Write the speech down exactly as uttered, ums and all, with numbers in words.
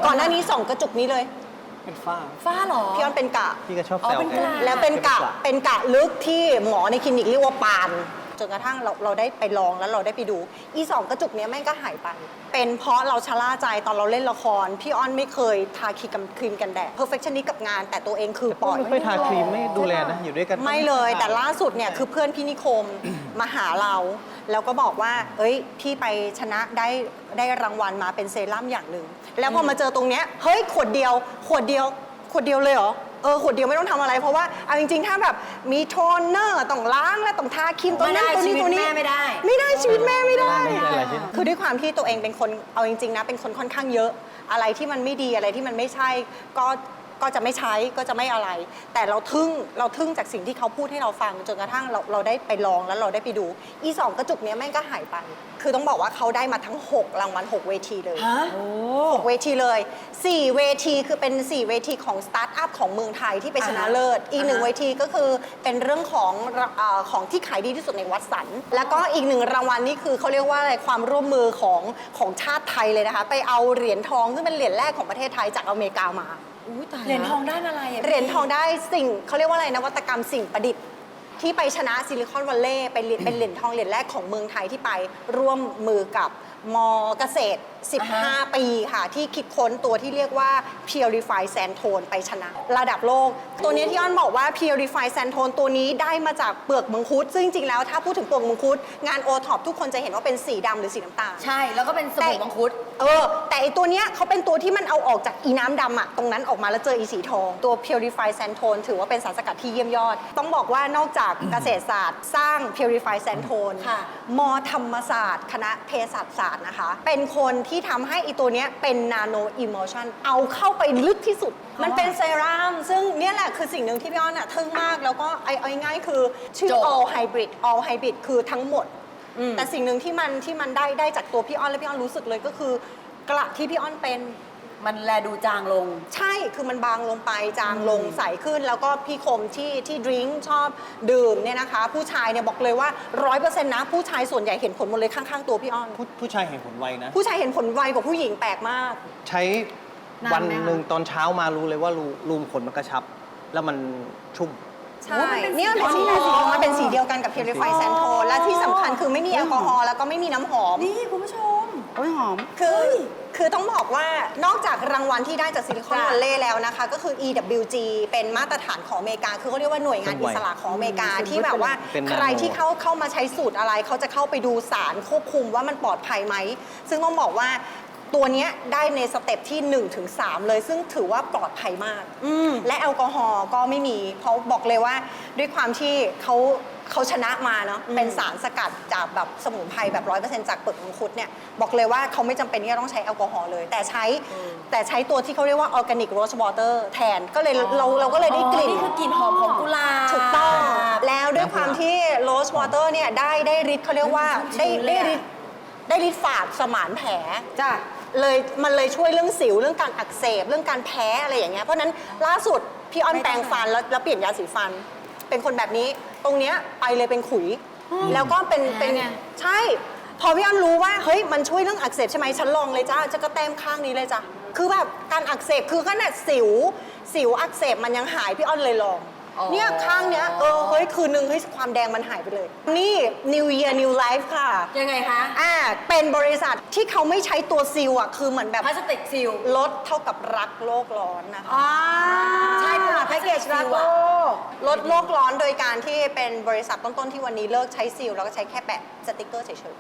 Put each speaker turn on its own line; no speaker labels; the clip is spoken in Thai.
ก่อนหน้านี้ส่องกระจุกนี้เลย
เป็นฝ้า
ฝ้าหรอ
พี่อ้อนเป็นกะ
พี่ก็ชอบแซว
แล้วเป็นกะเป็นกะลึกที่หมอในคลินิกเรียกว่าปานจนกระทั่งเราเราได้ไปลองแล้วเราได้ไปดูอีสองกระจุกเนี้ยแม่งก็หายไปเป็นเพราะเราชะล่าใจตอนเราเล่นละครพี่อ้อนไม่เคยทาครีมครีมกันแดด perfectionist กับงานแต่ตัวเองคือปล่อย
ไม่ค่อยทาครีมไม่ดูแลนะอยู่ด้วยกัน
ไม่เลยแต่ล่าสุดเนี่ยคือเพื่อนพี่นิคมมาหาเราแล้วก็บอกว่าเอ้ยพี่ไปชนะได้ได้รางวัลมาเป็นเซรั่มอย่างหนึ่งแล้วพอมาเจอตรงเนี้ยเฮ้ยขวดเดียวขวดเดียวขวดเดียวเลยเหรอเออขวดเดียวไม่ต้องทำอะไรเพราะว่าเอาจริงๆถ้าแบบมีโทนเนอร์ต้องล้างแล้วต้องทาครีมตัวนั้นตัวนี้ตัวนี้
ไม่ได้
ไม่ได้ชีวิตแม่ไม่ได้
ไม่ได้
คือด้วยความที่ตัวเองเป็นคนเอาจริงๆนะเป็นคนค่อนข้างเยอะอะไรที่มันไม่ดีอะไรที่มันไม่ใช่ก็ก็จะไม่ใช้ก็จะไม่อะไรแต่เราทึ่งเราทึ่งจากสิ่งที่เขาพูดให้เราฟังจนกระทั่งเราเราได้ไปลองแล้วเราได้ไปดูอีสองกระจุกเนี้ยแม่งก็หายไปคือต้องบอกว่าเขาได้มาทั้งหกรางวัลหกเวทีเลยหกเวทีเลยสี่เวทีคือเป็นสี่เวทีของสตาร์ทอัพของเมืองไทยที่ไปชนะเลิศอีกหนึ่งเวทีก็คือเป็นเรื่องของเอ่อของที่ขายดีที่สุดในวัดสันแล้วก็อีกหนึ่งรางวัลนี่คือเขาเรียกว่าอะไรความร่วมมือของของชาติไทยเลยนะคะไปเอาเหรียญทองซึ่งเป็นเหรียญแรกของประเทศไทยจากอเมริกามา
เหรียญทองได้อะไร
เหรียญทองได้สิ่งเขาเรียกว่าอะไรนวัตกรรมสิ่งประดิษฐ์ที่ไปชนะซิลิคอนวัลเลย์เป็นเป็นเหรียญทองเหรียญแรกของเมืองไทยที่ไปร่วมมือกับมอเกษตรสิบห้าปีค่ะที่คิดค้นตัวที่เรียกว่า Purify Sandtone ไปชนะระดับโลกตัวนี้ที่อ้อนบอกว่า Purify Sandtone ตัวนี้ได้มาจากเปลือกมังคุดซึ่งจริงๆแล้วถ้าพูดถึงเปลือกมังคุดงานโอท็อปทุกคนจะเห็นว่าเป็นสีดำหรือสีน้ำตาล
ใช่แล้วก็เป็นสบู่มังคุด
เออแต่อีตัวเนี้ยเขาเป็นตัวที่มันเอาออกจากอีน้ำดำอะตรงนั้นออกมาแล้วเจออีสีทองตัว Purify Sandtone ถือว่าเป็นสารสกัดที่เยี่ยมยอดต้องบอกว่านอกจากเกษตรศาสตร์สร้าง Purify Sandtone มอธรรมศาสตร์คณะเภสัชศาสตร์นะคะเป็นคนที่ทำให้อีตัวเนี้ยเป็น Nano Emulsion เอาเข้าไปลึกที่สุดมันเป็นเซรั่มซึ่งเนี่ยแหละคือสิ่งหนึ่งที่พี่อ้อนอะทึ่งมากแล้วก็เอาง่ายๆคือชื่อ all hybrid all hybrid คือทั้งหมดแต่สิ่งหนึ่งที่มันที่มันได้ได้จากตัวพี่อ้อนและพี่อ้อนรู้สึกเลยก็คือกระที่พี่อ้อนเป็น
มันแลดูจางลง
ใช่คือมันบางลงไปจางลงใสขึ้นแล้วก็พี่คมที่ที่ดริงก์ชอบดื่มเนี่ยนะคะผู้ชายเนี่ยบอกเลยว่าร้อยเปอร์เซ็นต์นะผู้ชายส่วนใหญ่เห็นผลหมดเลยข้างๆตัวพี่อ้อน
ผู้ผู้ชายเห็นผลไวนะ
ผู้ชายเห็นผลไวกว่าผู้หญิงแปลกมาก
ใช้วันหนึ่งตอนเช้ามารู้เลยว่ารูรูมขนมันกระชับแล้วมันชุ่ม
ใช่เนี่ยเป็นสีสีมันเป็นสีเดียวกันกับ Purify Sandtone และที่สำคัญคือไม่มีแอลกอฮอล์แล้วก็ไม่มีน้ำหอม
นี่คุณผู้ชม
โอ้ยหอมคือคือต้องบอกว่านอกจากรางวัลที่ได้จากซิลิคอนวัลเลย์แล้วนะคะก็คือ อี ดับเบิลยู จี เป็นมาตรฐานของอเมริกาคือเขาเรียกว่าหน่วยงานอิสระของอเมริกาที่แบบว่าใครที่เข้าเข้ามาใช้สูตรอะไรเขาจะเข้าไปดูสารควบคุมว่ามันปลอดภัยไหมซึ่งต้องบอกว่าตัวนี้ได้ในสเต็ปที่ หนึ่งถึงสาม เลยซึ่งถือว่าปลอดภัยมากและแอลกอฮอล์ก็ไม่มีเพราะบอกเลยว่าด้วยความที่เขาเขาชนะมาเนาะเป็นสารสกัดจากแบบสมุนไพรแบบ ร้อยเปอร์เซ็นต์ จากเปลือกมังคุดเนี่ยบอกเลยว่าเขาไม่จำเป็นที่จะต้องใช้แอลกอฮอล์เลยแต่ใช้แต่ใช้ตัวที่เขาเรียกว่าออร์แกนิกโรสวอเตอร์แทนก็เลยเราเราก็เลยได้กลิ่น
นี่คือกลิ่นหอมของกุหลาบ
ถูกต้องแล้วด้วยความที่โรสวอเตอร์เนี่ยได้ได้ฤทธิ์เขาเรียกว่าได้ได้ฤทธิ์ได้ฤทธิ์ฝาดสมานแผลจ้ะเลยมันเลยช่วยเรื่องสิวเรื่องการอักเสบเรื่องการแพ้อะไรอย่างเงี้ยเพราะนั้นล่าสุดพี่อ้อนแปรงฟันแล้วแล้วเปลี่ยนยาสีฟันเป็นคนแบบนี้ตรงเนี้ยไปเลยเป็นขุยแล้วก็เป็นเป็นใช่พอพี่อ้อนรู้ว่าเฮ้ยมันช่วยเรื่องอักเสบใช่ไหมฉันลองเลยจ้าจะก็แต้มข้างนี้เลยจ้ะคือแบบการอักเสบคือขนาดสิวสิวอักเสบมันยังหายพี่อ้อนเลยลองเนี่ยข้างเนี้ยเออเฮ้ยคืนนึงเฮ้ยความแดงมันหายไปเลยนี่ New Year New Life ค่ะ
ยังไงคะ
อ่าเป็นบริษัทที่เขาไม่ใช้ตัวซีลอ่ะคือเหมือนแบบ
พลาสติกซีล
ลดเท่ากับรักโลกร้อนนะคะ
ใช่ค่ะ
แพ็กเกจรักโลกลดโลกร้อนโดยการที่เป็นบริษัทต้นๆที่วันนี้เลิกใช้ซีลแล้วก็ใช้แค่แปะสติ๊กเกอร์เฉย